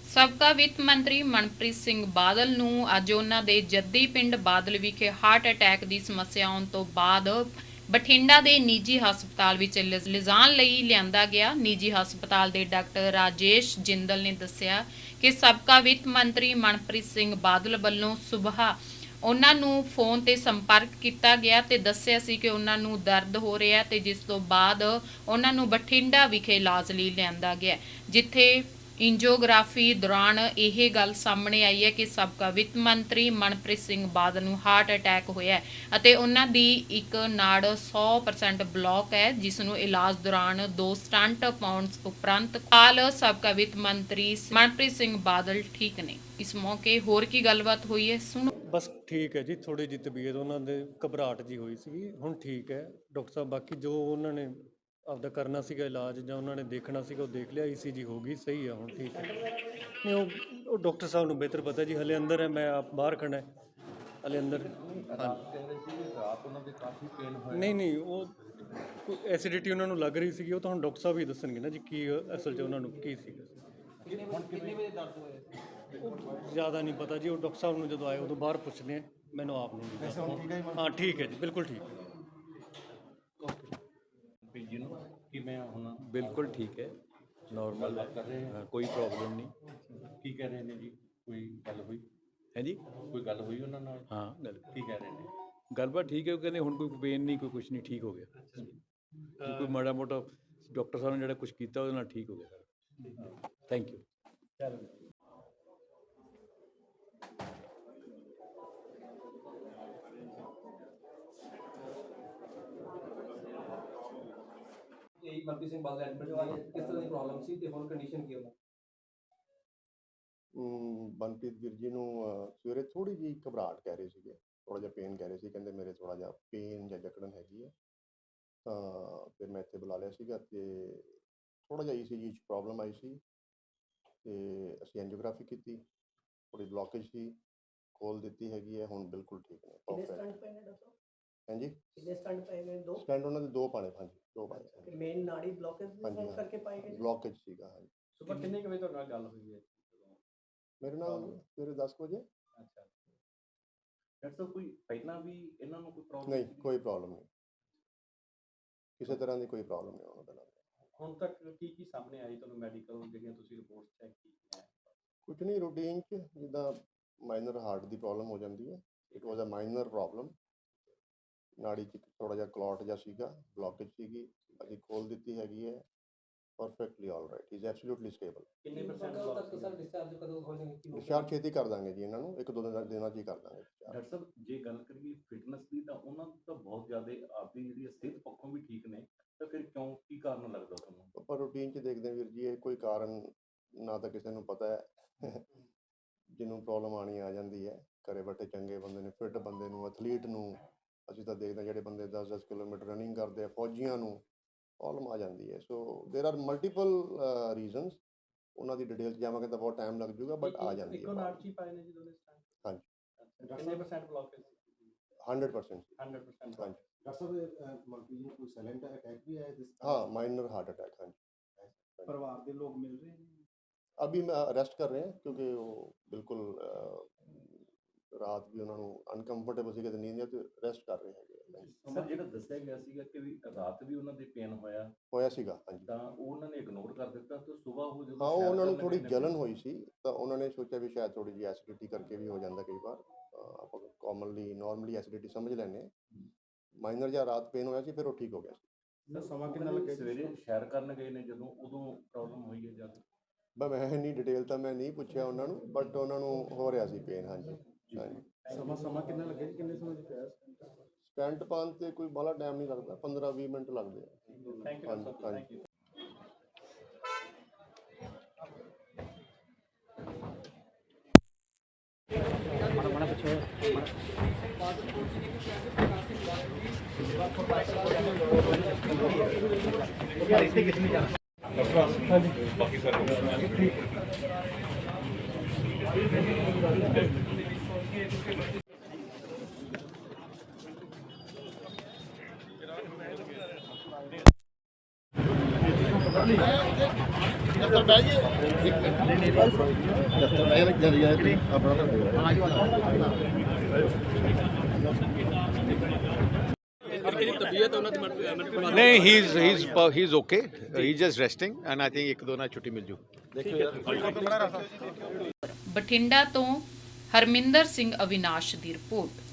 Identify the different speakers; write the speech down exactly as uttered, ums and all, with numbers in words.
Speaker 1: ਸਾਬਕਾ ਵਿੱਤ ਮੰਤਰੀ ਮਨਪ੍ਰੀਤ ਸਿੰਘ ਬਾਦਲ ਨੂੰ ਅੱਜ ਉਹਨਾਂ ਦੇ ਜੱਦੀ ਪਿੰਡ ਬਾਦਲ ਵਿਖੇ ਹਾਰਟ ਅਟੈਕ ਦੀ ਸਮੱਸਿਆ ਆਉਣ ਤੋਂ ਬਾਅਦ ਬਠਿੰਡਾ ਦੇ ਨਿੱਜੀ ਹਸਪਤਾਲ ਵਿੱਚ ਲਿਜਾਣ ਲਈ ਲਿਆਂਦਾ ਗਿਆ। ਨਿੱਜੀ ਹਸਪਤਾਲ ਦੇ ਡਾਕਟਰ ਰਾਜੇਸ਼ ਜਿੰਦਲ ਨੇ ਦੱਸਿਆ ਕਿ ਸਾਬਕਾ ਵਿੱਤ ਮੰਤਰੀ ਮਨਪ੍ਰੀਤ ਸਿੰਘ ਬਾਦਲ ਵੱਲੋਂ ਸੁਬਾਹ ਉਹਨਾਂ ਨੂੰ ਫੋਨ ਤੇ ਸੰਪਰਕ ਕੀਤਾ ਗਿਆ ਤੇ ਦੱਸਿਆ ਸੀ ਕਿ ਉਹਨਾਂ ਨੂੰ ਦਰਦ ਹੋ ਰਿਹਾ ਤੇ ਜਿਸ ਤੋਂ ਬਾਅਦ ਉਹਨਾਂ ਨੂੰ ਬਠਿੰਡਾ ਵਿਖੇ ਇਲਾਜ ਲਈ ਲਿਆਂਦਾ ਗਿਆ, ਜਿੱਥੇ ਇੰਜੀਓਗ੍ਰਾਫੀ ਦੌਰਾਨ ਇਹ ਗੱਲ ਸਾਹਮਣੇ ਆਈ ਹੈ ਕਿ ਸਾਬਕਾ ਵਿੱਤ ਮੰਤਰੀ ਮਨਪ੍ਰੀਤ ਸਿੰਘ ਬਾਦਲ ਨੂੰ ਹਾਰਟ ਅਟੈਕ ਹੋਇਆ ਅਤੇ ਉਹਨਾਂ ਦੀ ਇੱਕ ਨਾੜ ਸੌ ਪਰਸੈਂਟ ਬਲੌਕ ਹੈ, ਜਿਸ ਨੂੰ ਇਲਾਜ ਦੌਰਾਨ ਦੋ ਸਟੰਟ ਪਾਉਣ ਉਪਰੰਤ ਹਾਲ ਸਾਬਕਾ ਵਿੱਤ ਮੰਤਰੀ ਮਨਪ੍ਰੀਤ ਸਿੰਘ ਬਾਦਲ ਠੀਕ ਨੇ। ਇਸ ਮੌਕੇ ਹੋਰ ਕੀ ਗੱਲਬਾਤ ਹੋਈ ਹੈ ਸੁਣੋ।
Speaker 2: ਬਸ ਠੀਕ ਹੈ ਜੀ, ਥੋੜੀ ਜਿਹੀ ਤਬੀਅਤ ਉਹਨਾਂ ਦੇ ਘਬਰਾਹਟ ਜੀ ਹੋਈ ਸੀ, ਹੁਣ ਠੀਕ ਹੈ ਡਾਕਟਰ ਸਾਹਿਬ। ਬਾਕੀ ਜੋ ਉਹਨਾਂ ਨੇ ਆਪਦਾ ਕਰਨਾ ਸੀਗਾ ਇਲਾਜ ਜਾਂ ਉਹਨਾਂ ਨੇ ਦੇਖਣਾ ਸੀਗਾ ਉਹ ਦੇਖ ਲਿਆ, ਈਸੀਜੀ ਹੋ ਗਈ, ਸਹੀ ਆ, ਹੁਣ ਠੀਕ ਹੈ। ਨਹੀਂ ਉਹ ਉਹ ਡਾਕਟਰ ਸਾਹਿਬ ਨੂੰ ਬਿਹਤਰ ਪਤਾ ਜੀ, ਹਲੇ ਅੰਦਰ ਹੈ, ਮੈਂ ਆਪ ਬਾਹਰ ਖੜਾ ਹੈ, ਹਲੇ ਅੰਦਰ। ਨਹੀਂ ਨਹੀਂ ਉਹ ਕੋਈ ਐਸਿਡਿਟੀ ਉਹਨਾਂ ਨੂੰ ਲੱਗ ਰਹੀ ਸੀਗੀ, ਉਹ ਤਾਂ ਹੁਣ ਡਾਕਟਰ ਸਾਹਿਬ ਹੀ ਦੱਸਣਗੇ ਨਾ ਜੀ ਕੀ ਅਸਲ 'ਚ ਉਹਨਾਂ ਨੂੰ ਕੀ ਸੀਗਾ। ਉਹ ਜ਼ਿਆਦਾ ਨਹੀਂ ਪਤਾ ਜੀ, ਉਹ ਡਾਕਟਰ ਸਾਹਿਬ ਨੂੰ ਜਦੋਂ ਆਏ ਉਦੋਂ ਬਾਹਰ ਪੁੱਛਦੇ ਆ, ਮੈਨੂੰ ਆਪ ਨੂੰ ਨਹੀਂ। ਹਾਂ ਠੀਕ ਹੈ ਜੀ, ਬਿਲਕੁਲ ਠੀਕ ਹੈ।
Speaker 3: बिल्कुल ठीक है, नॉर्मल है, कोई प्रॉब्लम नहीं।
Speaker 4: ਕੀ ਕਹਿ ਰਹੇ ਨੇ ਜੀ, ਕੋਈ ਗੱਲ ਹੋਈ
Speaker 3: है जी?
Speaker 4: ਕੋਈ ਗੱਲ ਹੋਈ ਉਹਨਾਂ ਨਾਲ?
Speaker 3: हाँ गल
Speaker 4: ਕੀ ਕਹਿ ਰਹੇ ਨੇ?
Speaker 3: गलबात ठीक है, वो कहते हुण कोई पेन नहीं, कोई कुछ नहीं, ठीक हो गया। कोई माड़ा मोटा डॉक्टर साहब ने जो कुछ किया वो ठीक हो गया। Thank you.
Speaker 5: यही मनप्रीत सिंह बादल एडमिट हुआ है, किस तरह की प्रॉब्लम सी ते हुण कंडीशन की है?
Speaker 6: ਮਨਪ੍ਰੀਤ ਵੀਰ ਜੀ ਨੂੰ ਸਵੇਰੇ ਥੋੜੀ ਜਿਹੀ ਘਬਰਾਹਟ ਕਹਿ ਰਹੇ ਸੀਗੇ, ਥੋੜਾ ਜਿਹਾ ਪੇਨ ਕਹਿ ਰਹੇ ਸੀ, ਕਹਿੰਦੇ ਮੇਰੇ ਥੋੜਾ ਜਿਹਾ ਪੇਨ ਜਾਂ ਜਕੜਨ ਹੈਗੀ ਹੈ। ਤਾਂ ਫਿਰ ਮੈਂ ਇੱਥੇ ਬੁਲਾ ਲਿਆ ਸੀਗਾ ਤੇ ਥੋੜਾ ਜਿਹਾ ਈਸੀਜੀ 'ਚ ਪ੍ਰੋਬਲਮ ਆਈ ਸੀ ਤੇ ਅਸੀਂ ਐਂਜੀਓਗ੍ਰਾਫੀ ਕੀਤੀ, ਥੋੜੀ ਬਲੋਕੇਜ ਸੀ, ਖੋਲ ਦਿੱਤੀ ਹੈਗੀ ਹੈ, ਹੁਣ ਬਿਲਕੁਲ ਠੀਕ ਨੇ। ਹਾਂਜੀ
Speaker 7: ਸਟੰਟ ਪਏ ਨੇ ਦੋ
Speaker 6: ਸਟੈਂਡ ਉਹਨਾਂ ਦੇ ਦੋ ਪਾਣੇ, ਹਾਂਜੀ ਦੋ ਪਾਣੇ।
Speaker 7: ਮੇਨ ਨਾੜੀ ਬਲੌਕੇਜ
Speaker 6: ਹਾਂਜੀ
Speaker 7: ਕਰਕੇ ਪਾਏ ਗਏ,
Speaker 6: ਬਲੋਕੇਜ ਸੀਗਾ। ਹਾਂਜੀ
Speaker 5: ਸੁਬਹ ਕਿੰਨੇ ਕੁ ਵਜੇ ਤੁਹਾਡੇ ਨਾਲ ਗੱਲ ਹੋਈ ਹੈ?
Speaker 6: ਮੇਰੇ ਨਾਲ ਸਵੇਰੇ ਦਸ ਵਜੇ।
Speaker 4: ਅੱਛਾ ਡਾਕਟਰ ਸਾਹਿਬ, ਕੋਈ ਪਹਿਲਾਂ ਵੀ ਇਹਨਾਂ ਨੂੰ ਕੋਈ ਪ੍ਰੋਬਲਮ?
Speaker 6: ਨਹੀਂ ਕੋਈ ਪ੍ਰੋਬਲਮ ਨਹੀਂ, ਕਿਸੇ ਤਰ੍ਹਾਂ ਦੀ ਕੋਈ ਪ੍ਰੋਬਲਮ ਨਹੀਂ ਉਹਨਾਂ ਦੇ ਨਾਲ।
Speaker 5: ਹੁਣ ਤੱਕ ਕੀ ਕੀ ਸਾਹਮਣੇ ਆਈ ਤੁਹਾਨੂੰ ਮੈਡੀਕਲ ਜਿਹੜੀਆਂ ਤੁਸੀਂ ਰਿਪੋਰਟਸ ਚੈੱਕ ਕੀਤੀਆਂ?
Speaker 6: ਕੁਝ ਨਹੀਂ, ਰੂਟੀਨ 'ਚ ਜਿੱਦਾਂ ਮਾਈਨਰ ਹਾਰਟ ਦੀ ਪ੍ਰੋਬਲਮ ਹੋ ਜਾਂਦੀ ਹੈ, it was a minor problem. ਨਾੜੀ 'ਚ ਥੋੜ੍ਹਾ ਜਿਹਾ ਕਲੌਟ ਜਿਹਾ ਸੀਗਾ, ਬਲੋਕੇਜ ਸੀਗੀ, ਅਸੀਂ ਖੋਲ ਦਿੱਤੀ ਹੈਗੀ ਹੈ, perfectly all right, is absolutely stable.
Speaker 5: ਕਿੰਨੇ ਪਰਸੈਂਟ ਬਲੌਕ ਸਰ ਡਿਸਚਾਰਜ ਕਦੋਂ ਹੋ ਜਾਣਗੇ?
Speaker 6: ਡਿਸਚਾਰਜ ਛੇਤੀ ਕਰ ਦਾਂਗੇ ਜੀ ਇਹਨਾਂ ਨੂੰ, ਇੱਕ ਦੋ ਦਿਨਾਂ ਦਿਨਾਂ 'ਚ ਹੀ ਕਰ ਦਾਂਗੇ discharge।
Speaker 4: ਡਾਕਟਰ ਸਾਹਿਬ, ਜੇ ਗੱਲ ਕਰੀਏ ਫਿਟਨੈਸ ਦੀ ਤਾਂ ਉਹਨਾਂ ਨੂੰ ਤਾਂ ਬਹੁਤ ਜ਼ਿਆਦਾ ਆਪਦੀ ਜਿਹੜੀ ਸਿਹਤ ਪੱਖੋਂ ਵੀ ਠੀਕ ਨੇ, ਤਾਂ ਫਿਰ ਕਿਉਂ, ਕੀ ਕਾਰਨ ਲੱਗਦਾ ਤੁਹਾਨੂੰ?
Speaker 6: ਆਪਾਂ ਰੂਟੀਨ 'ਚ ਦੇਖਦੇ ਹਾਂ ਵੀਰ ਜੀ, ਇਹ ਕੋਈ ਕਾਰਨ ਨਾ ਤਾਂ ਕਿਸੇ ਨੂੰ ਪਤਾ ਹੈ। ਜਿਹਨੂੰ ਪ੍ਰੋਬਲਮ ਆਉਣੀ ਆ ਜਾਂਦੀ ਹੈ, ਘਰੇ ਬੈਠੇ ਚੰਗੇ ਬੰਦੇ ਨੇ, ਫਿੱਟ ਬੰਦੇ ਨੂੰ, ਐਥਲੀਟ ਨੂੰ ਅਸੀਂ ਤਾਂ ਦੇਖਦੇ ਹਾਂ, ਜਿਹੜੇ ਬੰਦੇ ਦਸ ਦਸ ਕਿਲੋਮੀਟਰ ਰਨਿੰਗ ਕਰਦੇ ਆ, ਫੌਜੀਆਂ ਨੂੰ ਪ੍ਰੋਬਲਮ ਆ ਜਾਂਦੀ ਹੈ। ਸੋ ਦੇਰ ਆਰ ਮਲਟੀਪਲ ਰੀਜ਼ਨਸ, ਉਹਨਾਂ ਦੀ ਡਿਟੇਲ 'ਚ ਜਾਵਾਂਗੇ ਤਾਂ ਬਹੁਤ ਟਾਈਮ ਲੱਗ ਜਾਊਗਾ, ਬਟ ਆ ਜਾਂਦੀ ਹੈ।
Speaker 5: ਇੱਕੋ ਨਾੜ 'ਚ ਹੀ ਪਾਏ ਨੇ ਜੀ ਦੋਨੇ ਸਟੰਟ?
Speaker 6: ਹਾਂਜੀ।
Speaker 5: ਕਿੰਨੇ percent blockage?
Speaker 6: Hundred percent.
Speaker 5: Hundred percent.
Speaker 6: ਹਾਂਜੀ।
Speaker 8: डॉक्टर साहब मलकीत ਨੂੰ ਕੋਈ ਸਾਇਲੈਂਟ ਅਟੈਕ ਵੀ ਆਇਆ?
Speaker 6: हाँ माइनर हार्ट अटैक। हाँ जी।
Speaker 8: परिवार के लोग मिल रहे हैं?
Speaker 6: अभी मैं अरेस्ट कर रहे हैं क्योंकि वो बिल्कुल रात भी उन्होंने अनकंफर्टेबल सी नींद तो अरेस्ट कर रहे हैं।
Speaker 4: ਸਰ, ਜਿਹੜਾ ਦੱਸਿਆ ਗਿਆ ਸੀਗਾ ਕਿ ਵੀ ਰਾਤ ਵੀ ਉਹਨਾਂ ਦੇ ਪੇਨ ਹੋਇਆ
Speaker 6: ਹੋਇਆ ਸੀਗਾ, ਹਾਂਜੀ,
Speaker 4: ਤਾਂ ਉਹ ਉਹਨਾਂ ਨੇ ਇਗਨੋਰ ਕਰ ਦਿੱਤਾ ਤੇ ਸਵੇਰ ਉਹ ਜਦੋਂ
Speaker 6: ਹਾਂ ਉਹਨਾਂ ਨੂੰ ਥੋੜੀ ਜਲਨ ਹੋਈ ਸੀ ਤਾਂ ਉਹਨਾਂ ਨੇ ਸੋਚਿਆ ਵੀ ਸ਼ਾਇਦ ਥੋੜੀ ਜਿਹੀ ਐਸਿਡਿਟੀ ਕਰਕੇ ਵੀ ਹੋ ਜਾਂਦਾ ਕਈ ਵਾਰ। ਆਪਾਂ ਕਾਮਨਲੀ ਨਾਰਮਲੀ ਐਸਿਡਿਟੀ ਸਮਝ ਲੈਂਦੇ ਹਾਂ। ਮਾਈਨਰ ਜਾਂ ਰਾਤ ਪੇਨ ਹੋਇਆ ਸੀ, ਫਿਰ ਉਹ ਠੀਕ ਹੋ ਗਿਆ ਸੀ।
Speaker 4: ਸਰ, ਸਮਾਂ ਕਿੰਨਾ ਲੱਗਿਆ? ਸਵੇਰੇ ਸੈਰ ਕਰਨ ਗਏ ਨੇ ਜਦੋਂ, ਉਦੋਂ ਪ੍ਰੋਬਲਮ ਹੋਈ ਹੈ ਜਦ?
Speaker 6: ਬਸ ਮੈਂ ਇੰਨੀ ਡਿਟੇਲ ਤਾਂ ਮੈਂ ਨਹੀਂ ਪੁੱਛਿਆ ਉਹਨਾਂ ਨੂੰ, ਬਟ ਉਹਨਾਂ ਨੂੰ ਹੋ ਰਿਹਾ ਸੀ ਪੇਨ। ਹਾਂਜੀ ਹਾਂਜੀ।
Speaker 8: ਸਮਾਂ ਸਮਾਂ ਕਿੰਨਾ ਲੱਗਿਆ ਜੀ? ਕਿੰਨੇ ਸਮੇਂ 'ਚ ਪਿਆ
Speaker 6: ਸਟੈਂਟ ਪਾਉਣ 'ਤੇ ਕੋਈ ਬਾਹਲਾ ਟਾਈਮ ਨਹੀਂ ਲੱਗਦਾ, ਪੰਦਰਾਂ ਵੀਹ ਮਿੰਟ ਲੱਗਦੇ ਆ।
Speaker 5: Thank you sir, thank you.
Speaker 4: ਬਾਕੀ ਸਰ
Speaker 6: Gracias.
Speaker 9: नहीं he is he is he is okay he just resting and I think एक दो ना छुट्टी मिल जू
Speaker 1: ਬਠਿੰਡਾ ਤੋਂ ਹਰਮਿੰਦਰ ਸਿੰਘ ਅਵਿਨਾਸ਼ ਦੀ ਰਿਪੋਰਟ।